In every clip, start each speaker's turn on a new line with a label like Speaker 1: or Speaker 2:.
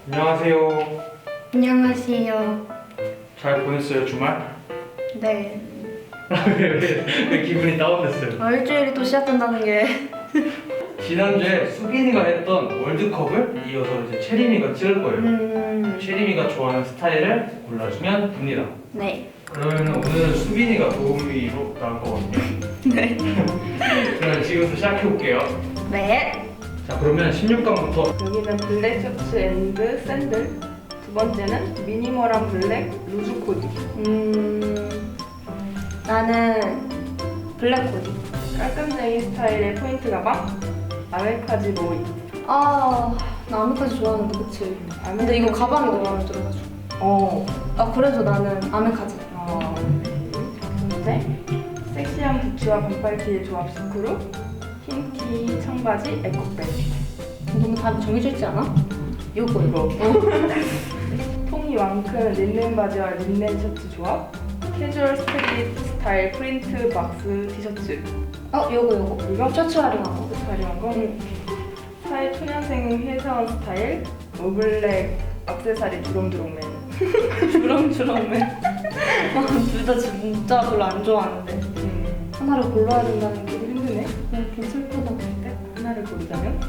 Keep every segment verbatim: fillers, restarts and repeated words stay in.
Speaker 1: 안녕하세요.
Speaker 2: 안녕하세요.
Speaker 1: 잘 보냈어요, 주말?
Speaker 2: 네.
Speaker 1: 왜, 왜, 왜 기분이 다운됐어요?
Speaker 2: 아, 일주일이 또 시작된다는 게.
Speaker 1: 지난주에 수빈이가 했던 월드컵을 이어서 이제 채림이가 찍을 거예요.
Speaker 2: 음.
Speaker 1: 채림이가 좋아하는 스타일을 골라주면 됩니다.
Speaker 2: 네.
Speaker 1: 그러면 오늘은 수빈이가 도우미로 나올 거거든요.
Speaker 2: 네.
Speaker 1: 그럼 지금부터 시작해볼게요.
Speaker 2: 네.
Speaker 1: 자, 그러면 십육 강부터
Speaker 3: 여기는 블랙 셔츠 앤드 샌들. 두 번째는 미니멀한 블랙 루즈 코디.
Speaker 2: 음. 나는 블랙 코디.
Speaker 3: 깔끔쟁이 스타일의 포인트 가방. 아메카지 모이.
Speaker 2: 아, 나 아메카지 좋아하는데, 그치? 근데 이거 가방이 너무 마음에 들어가지고.
Speaker 3: 어.
Speaker 2: 아, 그래서 나는 아메카지.
Speaker 3: 어. 두 번째, 섹시한 부츠와 반팔티의 조합 스크루. 흰티 청바지 에코백.
Speaker 2: 너무 답이 정해져 있지 않아?
Speaker 3: 요거 이거. 통이 왕큰 린넨 바지와 린넨 셔츠 조합. 캐주얼 스트릿 스타일 프린트 박스 티셔츠.
Speaker 2: 어, 요거, 요거.
Speaker 3: 이거?
Speaker 2: 셔츠 활용한 거.
Speaker 3: 화려한 거.
Speaker 2: 응.
Speaker 3: 사회 초년생 회사원 스타일. 오블랙 액세서리 주렁주렁맨.
Speaker 2: 주렁주렁맨. 아, 둘 다 진짜 별로 안 좋아하는데.
Speaker 3: 음,
Speaker 2: 하나를 골라야 된다는 게
Speaker 3: 힘드네.
Speaker 2: 네, 좀 슬프다.
Speaker 3: 네? 하나를 고르자면?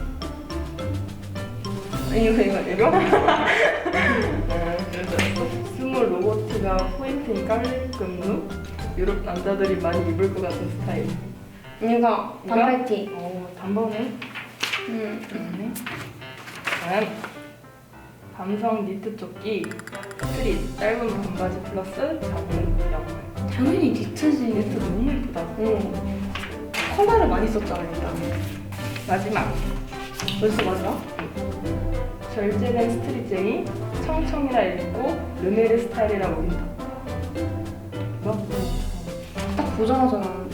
Speaker 2: 이거, 이거, 이거?
Speaker 3: 스몰 로고티가 포인트인 깔끔 룩. 유럽 남자들이 많이 입을 것 같은 스타일.
Speaker 2: 이거, 반팔티.
Speaker 3: 어, 단번에.
Speaker 2: 음.
Speaker 3: 음. 다음. 감성 니트 조끼. 스트릿 짧은 반바지 플러스 작은 양말.
Speaker 2: 당연히 니트지.
Speaker 3: 니트 너무 예쁘다.
Speaker 2: 응. 컬러를 많이 썼잖아, 일단.
Speaker 3: 마지막.
Speaker 2: 벌써 마지막?
Speaker 3: 절제된 스트릿쟁이. 청청이라 읽고 르메르 스타일이라 보인다. 이거?
Speaker 2: 딱 보자마자 나는.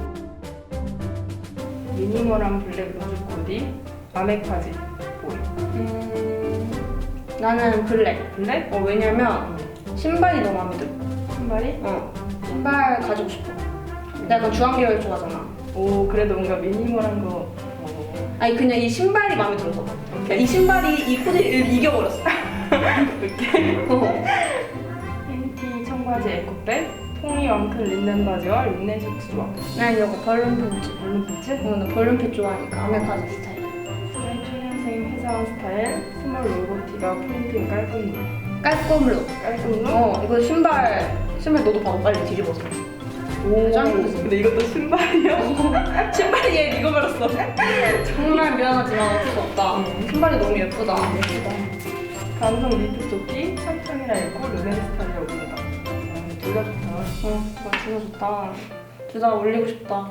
Speaker 3: 미니멀한 블랙 루즈 코디. 아메카지 보이.
Speaker 2: 음. 나는 블랙.
Speaker 3: 블랙?
Speaker 2: 어, 왜냐면 신발이 너무 마음에 들어.
Speaker 3: 신발이?
Speaker 2: 어. 신발 가지고 싶어. 내가 약간 주황 계열 좋아하잖아.
Speaker 3: 오, 그래도 뭔가 미니멀한 거. 어.
Speaker 2: 아니, 그냥 이 신발이 마음에 들어서. 그러니까 이 신발이 이 코디를 이겨버렸어.
Speaker 3: 이렇게.
Speaker 2: 어.
Speaker 3: 흰티 청바지 에코백. 통이 왕큰 린넨 바지와 린넨 셔츠 조합.
Speaker 2: 난 이거 벌룬 팬츠.
Speaker 3: 얼른 팬츠?
Speaker 2: 어, 나 벌룬 팬츠 좋아하니까 아메카지 스타일.
Speaker 3: 사회 초년생 회사원 스타일. 스몰 로고티가 포인트인 깔끔 룩.
Speaker 2: 깔끔 룩.
Speaker 3: 깔끔 룩?
Speaker 2: 어, 이거 신발. 신발 너도 봐봐, 빨리 뒤집어서.
Speaker 3: 오,
Speaker 2: 짱이지.
Speaker 3: 근데 이것도 신발이야?
Speaker 2: 신발이 얘 익어버렸어. 정말 미안하지만 어쩔 수 없다.
Speaker 3: 음.
Speaker 2: 신발이 너무 예쁘다.
Speaker 3: 감성 니트 조끼. 청청이라 읽고 르넨 스타일이라 보인다. 음, 둘 다 좋다.
Speaker 2: 어, 나 진짜 좋다. 둘 다 올리고 싶다.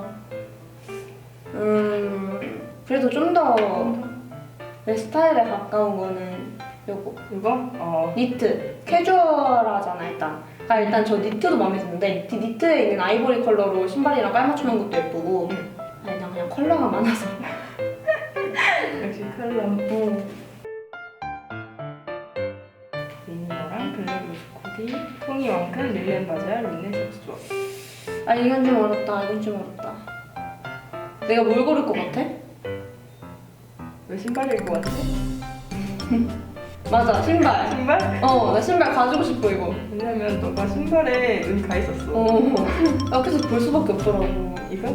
Speaker 2: 음, 그래도 좀 더 내 스타일에 가까운 거는 요거.
Speaker 3: 이거? 어.
Speaker 2: 니트. 캐주얼하잖아, 일단. 그러니까 일단 저 니트도 마음에 드는데 니트, 니트에 있는 아이보리 컬러로 신발이랑 깔맞춤한 것도 예쁘고 아니, 난 그냥 컬러가 많아서.
Speaker 3: 역시 컬러.
Speaker 2: 음.
Speaker 3: 미니멀한 블랙 루즈 코디. 통이 왕큰 릴넨 바지와 린넨 셔츠 조합.
Speaker 2: 아, 이건 좀 어렵다. 이건 좀 어렵다. 내가 뭘 고를 것 같아?
Speaker 3: 왜 신발일 것 같지?
Speaker 2: 맞아, 신발.
Speaker 3: 신발?
Speaker 2: 어, 나 신발 가지고 싶어, 이거.
Speaker 3: 왜냐면 너가 신발에 눈이 가 있었어.
Speaker 2: 어. 나 계속 볼 수밖에 없더라고.
Speaker 3: 이거?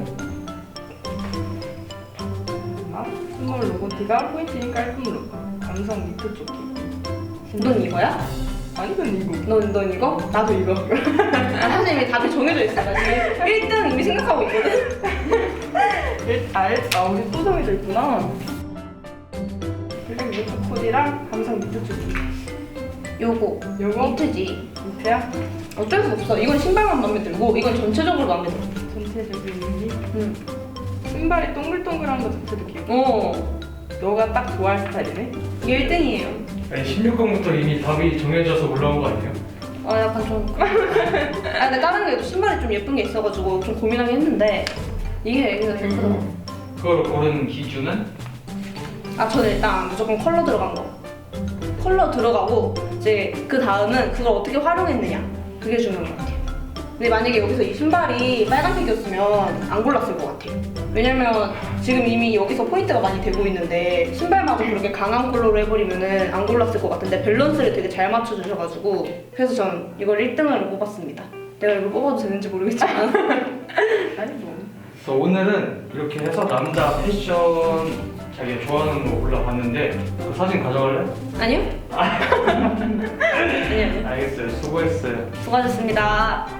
Speaker 3: 아, 스몰 로고티가 포인트인 깔끔 룩. 감성 니트 조끼.
Speaker 2: 넌 이거야?
Speaker 3: 아니, 넌 이거.
Speaker 2: 넌, 넌 이거? 나도 이거. 아, 사실 이미 답이 정해져 있어. 나 지금 일 등 이미 생각하고 있거든?
Speaker 3: 일, 알, 아, 우리 또 정해져 있구나. 블랙 니트 코디랑 감성 니트 조끼.
Speaker 2: 요거.
Speaker 3: 요거?
Speaker 2: 니트지.
Speaker 3: 니트야?
Speaker 2: 어쩔 수 없어. 이건 신발만 마음에 들고, 이건 전체적으로 마음에 들어.
Speaker 3: 전체적인 의미?
Speaker 2: 응.
Speaker 3: 신발이 동글동글한 거 자체도 귀여워.
Speaker 2: 어.
Speaker 3: 너가 딱 좋아할 스타일이네?
Speaker 2: 이게 일 등이에요.
Speaker 1: 아니, 십육 강부터 이미 답이 정해져서 올라온 거 아니에요?
Speaker 2: 아, 약간 좀. 아, 근데 다른 게도 신발이 좀 예쁜 게 있어가지고 좀 고민하긴 했는데, 이게 여기가 예쁘더라고.
Speaker 1: 그걸 고른 기준은?
Speaker 2: 아, 저는 일단 무조건 컬러 들어간 거. 컬러 들어가고 이제 그 다음은 그걸 어떻게 활용했느냐. 그게 중요한 것 같아요. 근데 만약에 여기서 이 신발이 빨간색이었으면 안 골랐을 것 같아요. 왜냐면 지금 이미 여기서 포인트가 많이 되고 있는데 신발마저 그렇게 강한 컬러로 해버리면은 안 골랐을 것 같은데 밸런스를 되게 잘 맞춰주셔가지고 그래서 전 이걸 일 등으로 뽑았습니다. 내가 이걸 뽑아도 되는지 모르겠지만
Speaker 3: 아니 뭐.
Speaker 1: 그래서 오늘은 이렇게 해서 남자 패션 자기가 좋아하는 거 골라봤는데 그 사진 가져갈래?
Speaker 2: 아니요? 아니요.
Speaker 1: 알겠어요. 수고했어요.
Speaker 2: 수고하셨습니다.